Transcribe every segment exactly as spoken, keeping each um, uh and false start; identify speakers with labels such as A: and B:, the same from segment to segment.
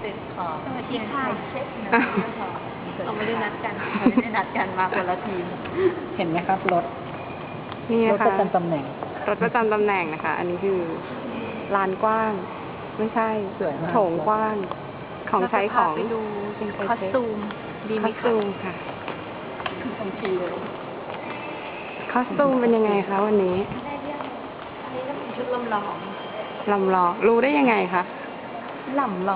A: เป็นของ
B: สวัสดีค่ะ
A: เช็คนะ
B: อ้าว
A: เราไม่ได้นัดกันเราไม่ได้นัดกันมาคนละทีม
C: เห็นไหมครับรถ
B: นี่
C: ร
B: นะ
C: ถประ
B: คะ
C: จำตำแหน่ง
B: รถประจำตำแหน่งนะคะ อันนี้คือลานกว้าง ไม่ใช่
C: สวยมาก
B: โถงกว้าง ของใช้ของ
A: เราจะพาไปดู
B: เป็น
A: คอสตูมดีไหม
B: คอสตูมค่ะ
A: ทันทีเลย
B: คอสตูมเป็นยังไงคะวันนี้
A: อันนี้ก็เป็นชุดลำลอง
B: ลำลองรู้ได้ยังไงคะ
A: ลำลอง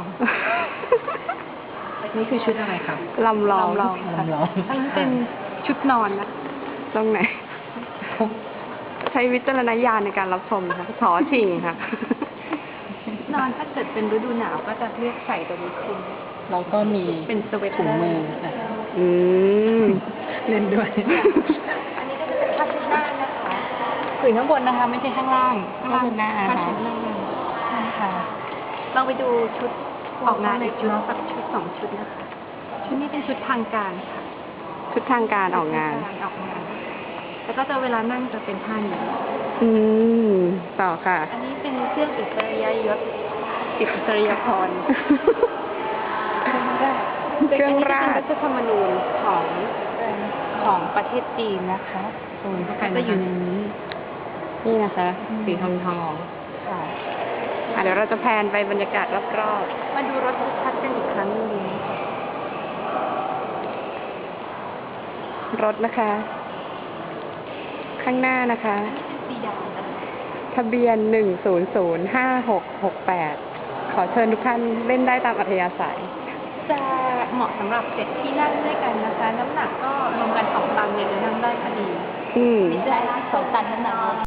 C: นี่คือชุดอะไรครับ
B: ลำลอง
A: ลำลอง
C: ลำลอง
B: อันนั้นเป็นชุดนอนนะ ตรงไหน ใช้วิจารณญาณในการรับชมนะคะถอชิงค่ะ
A: นอนถ้าเกิดเป็นฤดูหนาวก็จะเลือกใส่ตัวนี้คลุม
C: แล้วก็มี
A: เป็นสเวตเตอร์
C: ถุงมืออ่ะ
B: อืม
C: เล่นด้วย
A: อันนี้ก็จะเป็นผ้าเช็ดหน้านะคะ
C: ถึงข้างบนนะคะ ไม่ใช่ข้างล่าง
A: ข้างล่าง
C: หน้า
A: ผ้า
C: นะคะ
A: เช็ดหน้าใช่ค่ะลองไปดูชุดออกงานอีกชุดสักชุดสองชุดนะคะ ชุดนี้เป็นชุดทางการค่ะ
B: ชุดทางการออกงาน
A: ออกงาน แล้วก็จะเวลานั่งจะเป็นท่านี้
B: อืม ต่อค่ะ
A: อันนี้เป็นเครื่องอิสริยยศอิสริยพร
B: เครื่องราช
A: เป็นรัฐธรรมนูญของของประเทศจีนนะคะโซนก็จะอยู่ในนี้
B: นี่นะคะ สีทองทอง
A: ค่ะ
B: อ่ะเดี๋ยวเราจะแพนไปบรรยากาศรอบ
A: มาดูรถชัดๆกันอีกครั้งหนึงดีไหมคะ
B: ๆ รถนะคะ ข้างหน้านะคะ
A: สีดำนะคะ
B: ทะเบียนหนึ่งศูนย์ศูนย์ห้าหกหกแปดขอเชิญทุกท่านเล่นได้ตามอัธยาศัย
A: จะเหมาะสำหรับเจ็ดที่นั่งด้วยกันนะคะ น้ำหนักก็รวมกันสองตันเนี่ยจะนั่งได้พอดี
B: อืม
A: ไม่ใช่สองตันน้ำหนัก